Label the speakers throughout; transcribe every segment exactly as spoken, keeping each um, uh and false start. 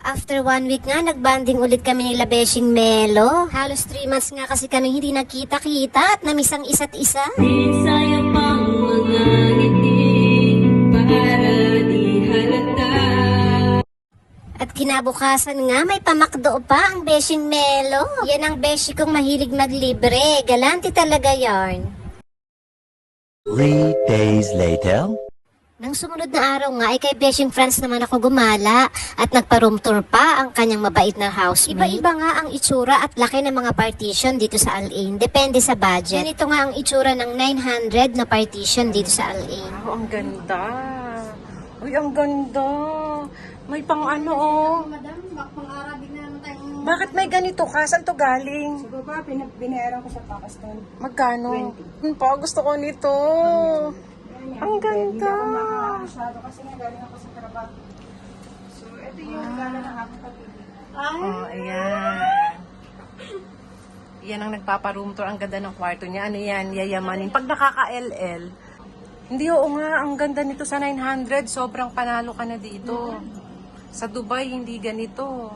Speaker 1: After one week nga, nagbanding ulit kami nila Beshing Melo. Halos three months nga kasi kami hindi nagkita-kita at namiss ang isa't isa.
Speaker 2: Sayang pang mga ngiti para di halata.
Speaker 1: At kinabukasan nga, may pamakdo pa ang Beshing Melo. Yan ang Beshi kong mahilig maglibre. Galante talaga yarn.
Speaker 3: Three days later.
Speaker 1: Nang sumunod na araw nga, ay kay Beshing France naman ako gumala at nagpa-room tour pa ang kanyang mabait na housemate. Iba-iba nga ang itsura at laki ng mga partition dito sa Al-Ain. Depende sa budget. Ganito nga ang itsura ng nine hundred na partition dito sa Al-Ain.
Speaker 4: Oh, ang ganda. Uy, ang ganda. May pang ano, oh.
Speaker 5: Madam, pang-Arabic na naman tayong...
Speaker 4: Bakit may ganito ka? Saan to galing?
Speaker 5: Siguro pa, binayaran ko sa Pakistan.
Speaker 4: Magkano? Hmm, pa, gusto ko nito. Ang ganda.
Speaker 5: Hindi ako nakakasado kasi nga galing ako sa trabaho. So, ito yung gala ng aking pag-ibig.
Speaker 4: Oh, ayan. Yan ang nagpapa-room tour. Ang ganda ng kwarto niya. Ano yan? Yayamanin. Pag nakaka-L L, hindi, oo nga. Ang ganda nito sa nine hundred. Sobrang panalo ka na dito. Sa Dubai, hindi ganito.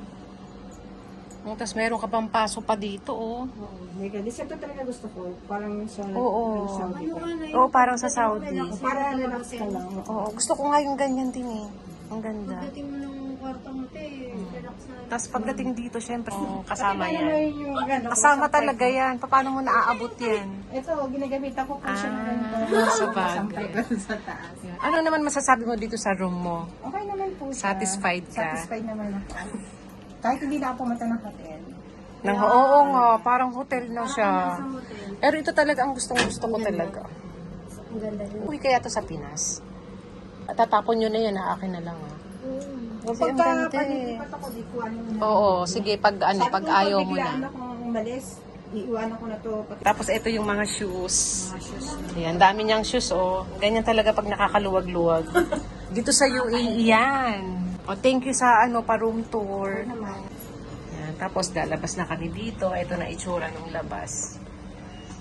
Speaker 4: Tapos meron ka pang paso pa dito, oh.
Speaker 5: May galis. Ito talaga gusto ko. Parang sa
Speaker 4: Oo.
Speaker 5: Saudi pa.
Speaker 4: Oo, parang sa Saudi.
Speaker 5: Para relax ka lang.
Speaker 4: Oo, gusto ko nga yung ganyan din eh. Ang ganda.
Speaker 5: Pagdating mo ng kwarto mo, te, relax na.
Speaker 4: Tapos pagdating dito, syempre, kasama
Speaker 5: Ano
Speaker 4: yan.
Speaker 5: yung gano'n?
Speaker 4: Kasama talaga yan. Paano mo naaabot yan?
Speaker 5: Ito, ginagamitan ko po siya ng ganito.
Speaker 4: Ah, sa bagay.
Speaker 5: Sampay ko sa taas.
Speaker 4: Ano naman masasabi mo dito sa room mo?
Speaker 5: Okay naman po siya.
Speaker 4: Satisfied ka?
Speaker 5: Satisfied naman ako. Kahit hindi na ako pumunta ng hotel.
Speaker 4: Nang, oo nga, parang hotel na siya. Pero ito talaga ang gustong gusto ko talaga.
Speaker 1: Ang ganda rin.
Speaker 4: Uy, kaya to sa Pinas. At tatapon nyo na yan, ha? Akin na lang, ha? Kasi ang
Speaker 5: Pagka
Speaker 4: ganda eh.
Speaker 5: panilipat ako, di ko ano na.
Speaker 4: Oo, sige, pag ano, pag ayaw mo
Speaker 5: biglaan
Speaker 4: na.
Speaker 5: akong umalis, iiwanan ko na to. Pati
Speaker 4: Tapos ito yung mga shoes. Ayan, dami niyang shoes, oh. Ganyan talaga pag nakakaluwag-luwag. Dito sa U A E yan. Oh, thank you sa ano, pa-room tour. Ayan, tapos lalabas na kami dito. Ito na itsura ng labas.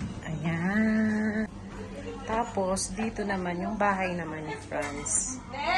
Speaker 4: Ayan. Tapos, dito naman yung bahay naman ni Franz.